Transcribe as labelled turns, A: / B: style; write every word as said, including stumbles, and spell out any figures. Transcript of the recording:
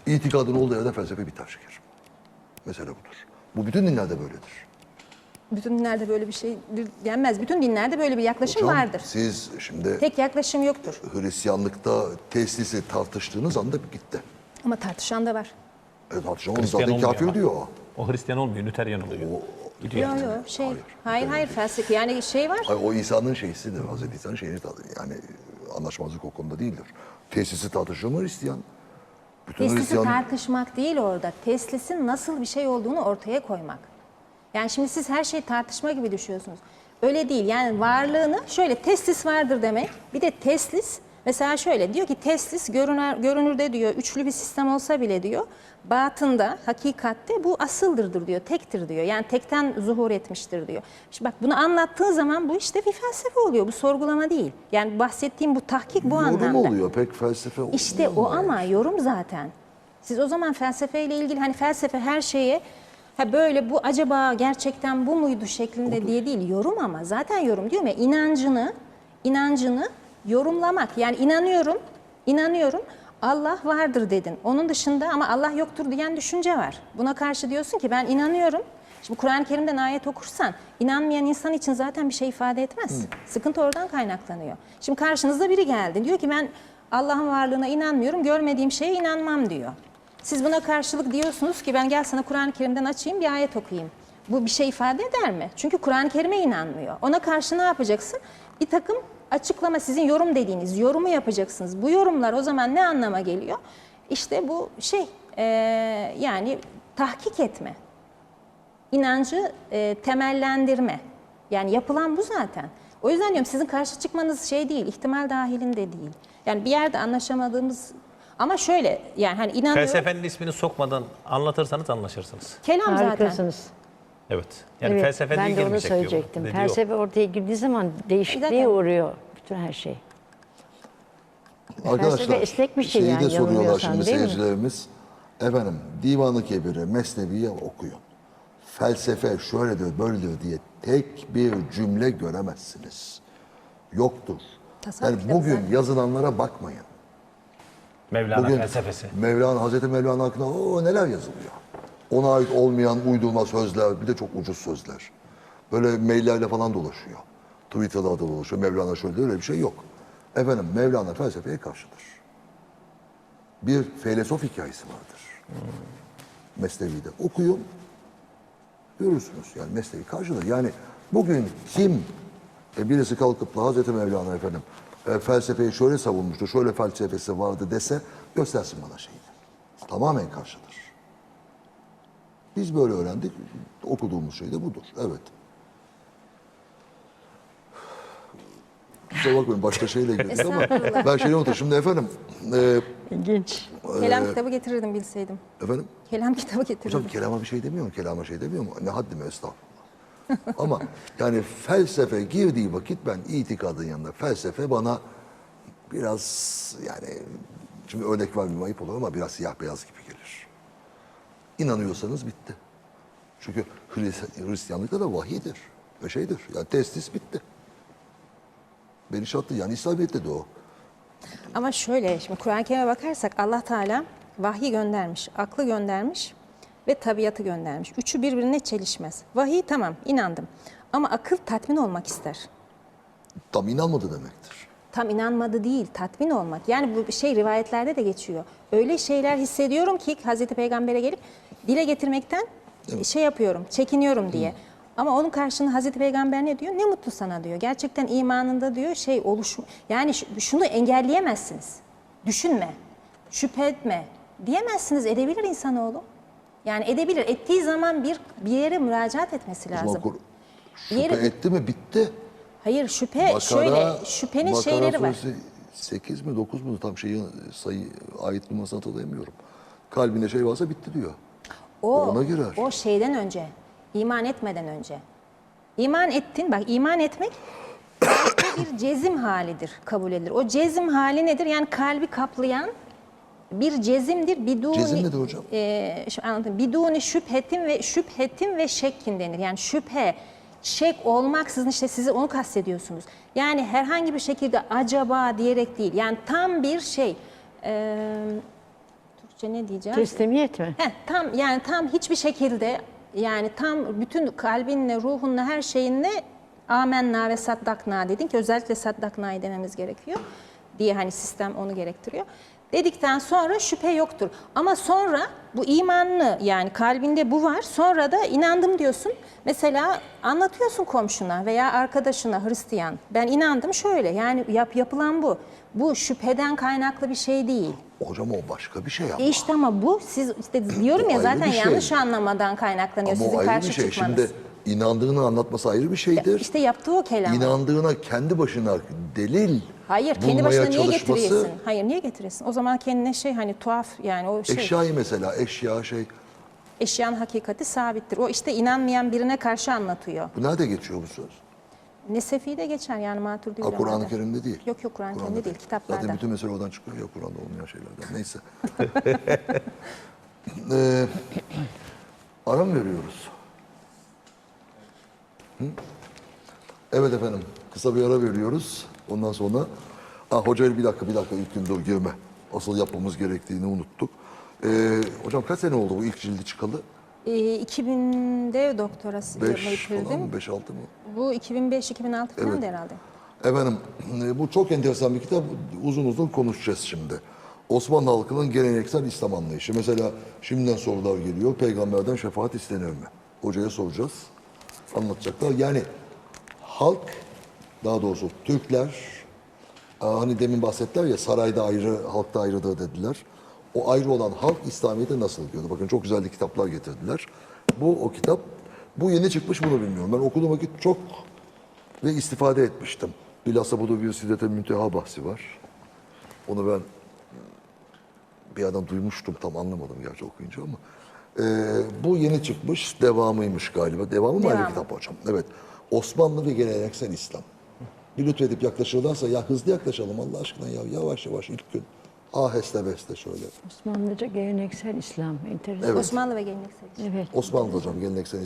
A: İtikadın olduğu yerde felsefe biter şekerim. Mesele budur. Bu bütün dinlerde böyledir.
B: Bütün dinlerde böyle bir şey denmez. Bütün dinlerde böyle bir yaklaşım
A: Hocam,
B: vardır.
A: siz şimdi
B: Tek yaklaşım yoktur.
A: Hristiyanlıkta teslisi tartıştığınız anda gitti.
B: Ama tartışan da var.
A: E, tartışan onu
C: Hristiyan
A: zaten
C: olmuyor
A: kafir
C: ama.
A: diyor o.
C: O Hristiyan olmuyor, Nüteryan oluyor. Gidiyor.
B: Yok
C: yani.
B: yok şey.
A: Hayır.
B: Hayır hayır, felsefe yani şey var.
A: Hayır, o İsa'nın şeysidir. Hazreti İsa'nın şeyini tadı. Yani anlaşmazlık o konuda değildir. Teslisi tartışıyor mu Hristiyan? Bütün
B: Teslisi
A: Hristiyan...
B: tartışmak değil orada. Teslisin nasıl bir şey olduğunu ortaya koymak. Yani şimdi siz her şeyi tartışma gibi düşüyorsunuz. Öyle değil. Yani varlığını şöyle teslis vardır demek. Bir de teslis mesela şöyle diyor ki teslis görünür, görünürde diyor üçlü bir sistem olsa bile diyor batında, hakikatte bu asıldırdır diyor, tektir diyor. Yani tekten zuhur etmiştir diyor. Şimdi bak bunu anlattığı zaman bu işte bir felsefe oluyor. Bu sorgulama değil. Yani bahsettiğim bu tahkik bu
A: Yorum
B: anlamda.
A: oluyor, pek felsefe olmuyor.
B: İşte o ama yorum zaten. Siz o zaman felsefeyle ilgili hani felsefe her şeye ha böyle bu acaba gerçekten bu muydu şeklinde diye değil yorum ama zaten yorum diyorum ya inancını inancını yorumlamak. Yani inanıyorum, inanıyorum Allah vardır dedin. Onun dışında ama Allah yoktur diyen düşünce var. Buna karşı diyorsun ki ben inanıyorum. Şimdi Kur'an-ı Kerim'den ayet okursan inanmayan insan için zaten bir şey ifade etmez. Hı. Sıkıntı oradan kaynaklanıyor. Şimdi karşınızda biri geldi. Diyor ki ben Allah'ın varlığına inanmıyorum, görmediğim şeye inanmam diyor. Siz buna karşılık diyorsunuz ki ben gel sana Kur'an-ı Kerim'den açayım bir ayet okuyayım. Bu bir şey ifade eder mi? Çünkü Kur'an-ı Kerim'e inanmıyor. Ona karşı ne yapacaksın? Bir takım açıklama, sizin yorum dediğiniz yorumu yapacaksınız. Bu yorumlar o zaman ne anlama geliyor? İşte bu şey e, yani tahkik etme. İnancı e, temellendirme. Yani yapılan bu zaten. O yüzden diyorum sizin karşı çıkmanız şey değil, ihtimal dahilinde değil. Yani bir yerde anlaşamadığımız ama şöyle yani hani inanıyorum.
C: Felsefenin ismini sokmadan anlatırsanız anlaşırsınız.
B: Kelam zaten.
D: Harikasınız.
C: Evet. Yani
D: Evet,
C: felsefe
D: ben
C: değil
D: de onu
C: girmeyecek diyor.
D: söyleyecektim.
C: Dediği o.
D: Felsefe ortaya girdiği zaman değişikliğe
B: Zaten-
D: uğruyor bütün her şey.
A: Arkadaşlar,
D: Felsefe esnek bir şey
A: şeyi
D: yani,
A: de soruyorlar
D: yanılmıyorsam,
A: şimdi
D: değil mi?
A: seyircilerimiz. Efendim, Divan-ı Kebir'i, Mesnevi'yi okuyun. Felsefe şöyledir, böyledir diye tek bir cümle göremezsiniz. Yoktur.
B: Tasavvuf
A: Yani
B: kitabı
A: bugün
B: zaten.
A: yazılanlara bakmayın.
C: Mevlana
A: Bugün
C: felsefesi.
A: Mevlana, Hazreti Mevlana hakkında o neler yazılıyor. Ona ait olmayan uydurma sözler, bir de çok ucuz sözler. Böyle maillerle falan dolaşıyor. Twitter'da da dolaşıyor. Mevlana şöyle öyle bir şey yok. Efendim Mevlana felsefeye karşıdır. Bir filozof hikayesi vardır. Hmm. Mesnevi'de okuyun. Görürsünüz yani Mesnevi karşıdır. Yani bugün kim e, birisi kalkıp da Hazreti Mevlana efendim e, felsefeyi şöyle savunmuştu, şöyle felsefesi vardı dese göstersin bana şeyini. Tamamen karşıdır. Biz böyle öğrendik. Okuduğumuz şey de budur. Evet. Kusura bakmayın başka şeyle girdik ama
B: Estağfurullah.
A: ben şeyi unuttum. Şimdi efendim e,
D: İlginç.
B: Kelam kitabı getirirdim bilseydim.
A: efendim
B: Kelam kitabı getirirdim.
A: hocam kelama bir şey demiyor mu? Kelama şey demiyor mu? Ne haddime estağfurullah. Ama yani felsefe girdiği vakit ben itikadın yanında felsefe bana biraz yani şimdi örnek vermeyeyim ayıp olur ama biraz siyah beyaz gibi gelir. İnanıyorsanız bitti. Çünkü Hristiyan- Hristiyanlıkta da vahiydir ve şeydir. Yani testis bitti. Beni şartlı yani İslamiyet'te de o.
B: Ama şöyle şimdi Kur'an-ı Kerim'e bakarsak Allah Teala vahyi göndermiş, aklı göndermiş ve tabiatı göndermiş. Üçü birbirine çelişmez. Vahiy tamam inandım ama akıl tatmin olmak ister.
A: Tam inanmadı demektir.
B: Tam inanmadı değil, tatmin olmak. Yani bu şey rivayetlerde de geçiyor. Öyle şeyler hissediyorum ki Hazreti Peygamber'e gelip dile getirmekten şey yapıyorum, çekiniyorum diye. Ama onun karşılığında Hazreti Peygamber ne diyor? Ne mutlu sana diyor. Gerçekten imanında diyor şey oluşmu. Yani ş- şunu engelleyemezsiniz. Düşünme, şüphe etme diyemezsiniz. Edebilir insanoğlu. Yani edebilir. Ettiği zaman bir bir yere müracaat etmesi
A: O zaman
B: lazım.
A: kur-
B: Bir
A: şüphe
B: yere-
A: etti mi bitti.
B: Hayır şüphe şöyle şüphenin
A: Bakara
B: şeyleri var.
A: suresi sekiz mi dokuz mu tam şeyi sayı ayet numarasını hatırlayamıyorum. Kalbine şey varsa bitti diyor.
B: O,
A: Ona girer.
B: o şeyden önce, iman etmeden önce. İman ettin, bak iman etmek bir cezim halidir, kabul edilir. O cezim hali nedir? Yani kalbi kaplayan bir cezimdir. Biduni,
A: Cezim nedir hocam?
B: E, şimdi anlatayım. Biduni şüphetin ve şüphetin ve şekkin denir. Yani şüphe, şek olmaksızın işte sizi onu kastediyorsunuz. Yani herhangi bir şekilde acaba diyerek değil. Yani tam bir şey. E, Türkçe ne diyeceğim?
D: Teslimiyet mi?
B: Heh, tam yani tam hiçbir şekilde yani tam bütün kalbinle, ruhunla, her şeyinle amenna ve saddakna dedin ki özellikle saddakna'yı dememiz gerekiyor diye hani sistem onu gerektiriyor. Dedikten sonra şüphe yoktur. Ama sonra bu imanlı yani kalbinde bu var. Sonra da inandım diyorsun. Mesela anlatıyorsun komşuna veya arkadaşına Hristiyan. Ben inandım şöyle yani yap, yapılan bu. Bu şüpheden kaynaklı bir şey değil.
A: Hocam o başka bir şey ama.
B: E işte ama bu siz işte diyorum ya
A: ayrı
B: zaten
A: bir şey.
B: yanlış anlamadan kaynaklanıyor
A: Ama
B: sizin
A: o ayrı
B: karşı
A: bir şey.
B: çıkmanız.
A: Şimdi inandığını anlatması ayrı bir şeydir.
B: İşte yaptığı o kelam.
A: İnandığına kendi başına delil
B: Hayır kendi
A: bulmaya
B: başına niye
A: çalışması-
B: getiriyorsun? Hayır niye getiriyorsun? O zaman kendine şey hani tuhaf yani o şey
A: Eşyayı mesela eşya şey.
B: eşyanın hakikati sabittir. O işte inanmayan birine karşı anlatıyor.
A: Bu nerede geçiyor bu söz?
B: Nesefi'de geçer yani Maturidi
A: Ha, Kur'an-ı
B: ulemada.
A: Kerim'de değil.
B: Yok yok Kur'an-ı Kerim'de değil kitaplarda.
A: Zaten bütün mesele oradan çıkıyor ya Kur'an'da olmayan şeylerden. Neyse. ee, ara mı veriyoruz? Hı? Evet efendim. Kısa bir ara veriyoruz. Ondan sonra... Ha, hocayla bir dakika bir dakika ilk gün dur girme. Asıl yapmamız gerektiğini unuttuk. Ee, hocam kaç sene oldu bu ilk cildi çıkalı?
B: Ee, iki binde doktorası
A: Beş
B: yapmayı
A: falan
B: bitirdim.
A: mı? Beş altı mı?
B: Bu iki bin beş iki bin altı falan
A: Evet.
B: da herhalde.
A: Efendim e, bu çok enteresan bir kitap. Uzun uzun konuşacağız şimdi. Osmanlı halkının geleneksel İslam anlayışı. Mesela şimdiden sorular geliyor. Peygamberden şefaat istenir mi? Hocaya soracağız. Anlatacaklar. Yani halk, daha doğrusu Türkler, aa, hani demin bahsettiler ya sarayda ayrı, halkta ayrıdır dediler. O ayrı olan halk İslamiyet'e nasıl diyordu? Bakın çok güzel kitaplar getirdiler. Bu o kitap. Bu yeni çıkmış bunu bilmiyorum. Ben okuduğum vakit çok ve istifade etmiştim. Bilhassa burada bir Siddet-i Münteha bahsi var. Onu ben bir adam duymuştum, tam anlamadım gerçi okuyunca ama. Ee, bu yeni çıkmış, devamıymış galiba. Devamı mı ayrı
B: Devamı.
A: kitap hocam? Evet. Osmanlı ve geleneksel İslam. Bir lütfedip yaklaşırlarsa ya hızlı yaklaşalım Allah aşkına ya yavaş yavaş ilk gün. Aheste beste şöyle.
D: Osmanlıca geleneksel İslam. Enteresan.
A: Evet.
B: Osmanlı ve geleneksel.
D: Evet.
A: Osmanlı hocam geleneksel